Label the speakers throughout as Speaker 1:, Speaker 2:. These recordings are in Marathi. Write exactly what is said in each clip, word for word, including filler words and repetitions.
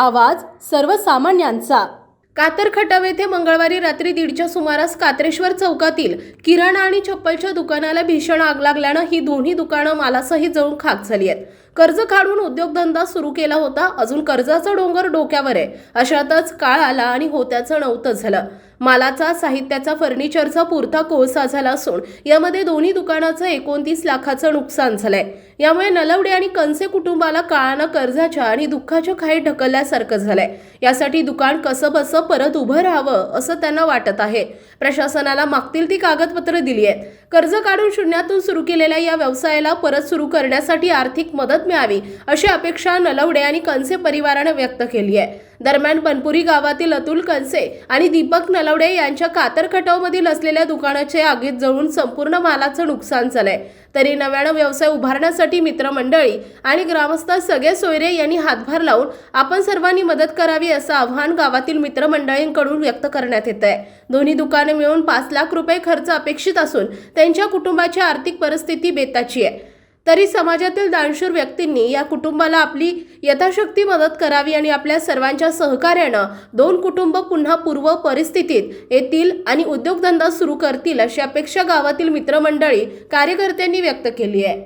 Speaker 1: आवाज सर्वसामान्यांचा।
Speaker 2: कातर खटाव येथे मंगळवारी रात्री दीडच्या सुमारास कात्रेश्वर चौकातील किराणा आणि चप्पलच्या दुकानाला भीषण आग लागल्यानं ही दोन्ही दुकानं मालासहित जळून खाक झाली आहेत। कर्ज काढून उद्योगधंदा सुरू केला होता, अजून कर्जाचा डोंगर डोक्यावर आहे। अशातच काळ आला आणि होत्याचं नव्हतं झालं। मालाचा, साहित्याचा, फर्निचरचा पुरता कोळसा झाला असून यामध्ये दोन्ही दुकानाचं एकोणतीस लाखाचं नुकसान झालंय। यामुळे नलवडे आणि कंसे कुटुंबाला काळानं कर्जाच्या आणि दुःखाच्या खाईत ढकलल्यासारखं झालंय। यासाठी दुकान कसं बसं परत उभं राहावं असं त्यांना वाटत आहे। प्रशासनाला मागतील ती कागदपत्र दिली आहेत। कर्ज काढून शून्यातून सुरू केलेल्या या व्यवसायाला परत सुरू करण्यासाठी आर्थिक मदत मिळावी अशी अपेक्षा नलवडे आणि कंसे परिवाराने व्यक्त केली आहे। दरम्यान बनपुरी गावातील अतुल कंसे आणि दीपक नलवडे यांच्या कातर खटावमधील असलेल्या दुकानाचे आगीत जळून संपूर्ण मालाचं नुकसान झालंय। तरी नव्यानं व्यवसाय उभारण्यासाठी मित्रमंडळी आणि ग्रामस्थ सगळे सोयरे यांनी हातभार लावून आपण सर्वांनी मदत करावी असं आव्हान गावातील मित्रमंडळींकडून व्यक्त करण्यात येत आहे। दोन्ही दुकाने मिळून पाच लाख रुपये खर्च अपेक्षित असून त्यांच्या कुटुंबाची आर्थिक परिस्थिती बेताची आहे। तरी समाजातील दानशूर व्यक्तींनी या कुटुंबाला आपली यथाशक्ती मदत करावी आणि आपल्या सर्वांच्या सहकार्यानं दोन कुटुंब पुन्हा पूर्व परिस्थितीत येतील आणि उद्योगधंदा सुरू करतील अशी अपेक्षा गावातील मित्रमंडळी कार्यकर्त्यांनी व्यक्त केली आहे।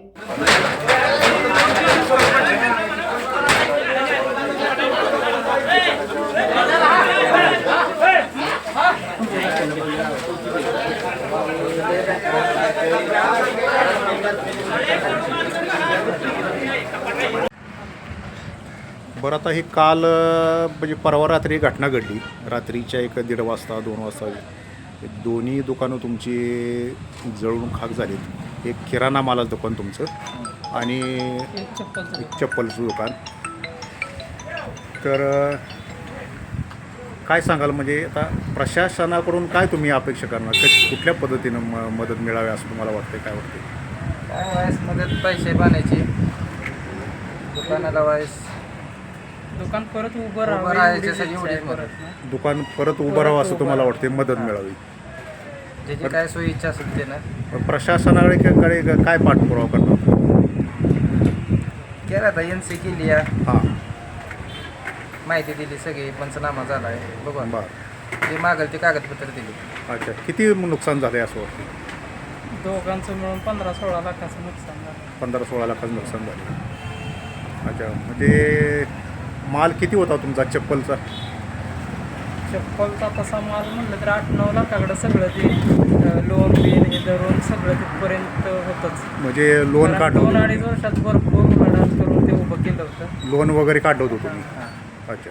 Speaker 3: बरं, आता ही काल म्हणजे परवा रात्री घटना घडली। रात्रीच्या एक दीड वाजता दोन वाजता दोन्ही दुकानं तुमची जळून खाक झालीत। एक किराणा मालाचं दुकान तुमचं आणि एक चप्पलचं दुकान। तर काय सांगाल, म्हणजे आता प्रशासनाकडून काय तुम्ही अपेक्षा करणार, कुठल्या पद्धतीनं म मदत मिळावी असं तुम्हाला वाटतं? काय वाटतं?
Speaker 4: काय वायस मदत पैसे बनायचे, दुकानाला वायस
Speaker 5: दुकान परत उभं
Speaker 4: उभं
Speaker 5: राहावं
Speaker 4: राहायचे
Speaker 5: एवढीच
Speaker 4: सगळी
Speaker 5: इच्छा आहे
Speaker 4: एवढीच मदत.
Speaker 5: परत.
Speaker 3: दुकान परत उभं राहावं असं तुम्हाला वाटते, मदत मिळावी?
Speaker 4: ज्याची काय सोयी इच्छा असेल ते ना
Speaker 3: प्रशासनाकडे कडे काय पाठपुरावा करणार?
Speaker 4: केला आता एन सी केली आहे,
Speaker 3: हां,
Speaker 4: माहिती दिली, सगळी पंचनामा झाला आहे, बघू आता.
Speaker 3: बरं,
Speaker 4: जे मागेल ते कागदपत्र दिली.
Speaker 3: अच्छा. किती नुकसान झालं असं वाटतं?
Speaker 5: दोघांचं मिळून पंधरा सोळा लाखाचं नुकसान झालं.
Speaker 3: पंधरा सोळा लाखाचं नुकसान झालं। अच्छा, म्हणजे माल किती होता तुमचा चप्पलचा?
Speaker 5: चप्पलचा तसा माल म्हणलं तर आठ नऊ लाखाकडं सगळं ते लोन बिन हे धरून सगळं तिथपर्यंत होतंच।
Speaker 3: म्हणजे लोन
Speaker 5: कारण
Speaker 3: काढलं
Speaker 5: दोन
Speaker 3: होतं?
Speaker 5: अडीच वर्षात भरपूर मदत करून ते उभं केलं होतं।
Speaker 3: लोन वगैरे काढलं होतं तुम्ही?
Speaker 4: हां
Speaker 3: अच्छा.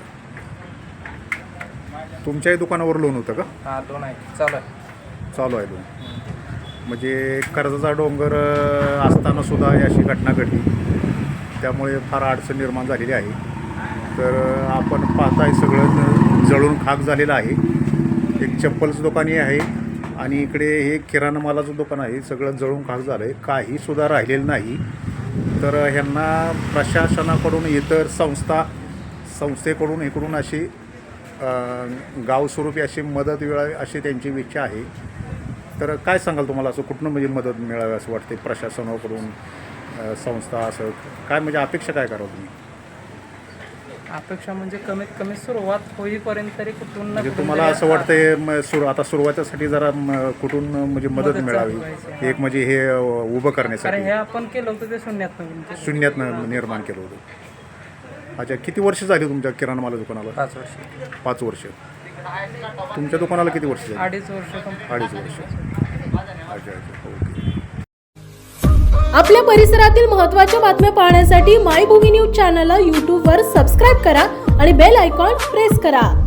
Speaker 3: तुमच्याही दुकानावर लोन होतं का?
Speaker 4: हां लोन आहे, चालू आहे.
Speaker 3: चालू आहे लोन. म्हणजे कर्जाचा डोंगर अ, असताना सुद्धा अशी घटना घडली, त्यामुळे फार अडचण निर्माण झालेली आहे। तर अ, आपण पाहताय सगळं जळून खाक झालेलं आहे। एक चप्पलचं दुकानही आहे आणि इकडे हे किराणा मालाचं दुकान आहे, सगळं जळून खाक झालं आहे, काहीसुद्धा राहिलेलं नाही। तर ह्यांना प्रशासनाकडून, इतर संस्था संस्थेकडून इकडून अशी गावस्वरूपी अशी मदत मिळावी अशी त्यांची इच्छा आहे। तर काय सांगाल तुम्हाला, असं कुठनं म्हणजे मदत मिळावी असं वाटते प्रशासनाकडून, संस्था, असं काय म्हणजे अपेक्षा काय करावं तुम्ही?
Speaker 5: अपेक्षा म्हणजे कमीत कमी सुरुवात होईपर्यंत तरी कुठून ना
Speaker 3: म्हणजे
Speaker 5: कुठून
Speaker 3: तुम्हाला
Speaker 5: तरी
Speaker 3: असं वाटतंय म- सुरू आता सुरुवातीसाठी जरा म- कुठून म्हणजे मदत
Speaker 5: मदत
Speaker 3: मिळावी,
Speaker 5: चालू व्हायची.
Speaker 3: एक म्हणजे हे अ, उभं
Speaker 5: कारण
Speaker 3: करण्यासाठी
Speaker 5: हे आपण केलं होतं ते शून्यात नवीन
Speaker 3: शून्यातनं निर्माण केलं होतं। अच्छा, किती वर्ष झाली तुमच्या किराणा माला दुकानाला?
Speaker 4: पाच वर्ष.
Speaker 3: पाच वर्ष. तुमच्या दुकानाला किती वर्ष झाली?
Speaker 5: अडीच वर्ष कंप्लीट.
Speaker 3: अडीच वर्ष. अच्छा अच्छा, ओके.
Speaker 1: आपल्या परिसरातील महत्त्वाच्या बातम्या पाहण्यासाठी मायभूमी न्यूज चॅनलला यूट्यूबवर सबस्क्राईब करा आणि बेल आयकॉन प्रेस करा।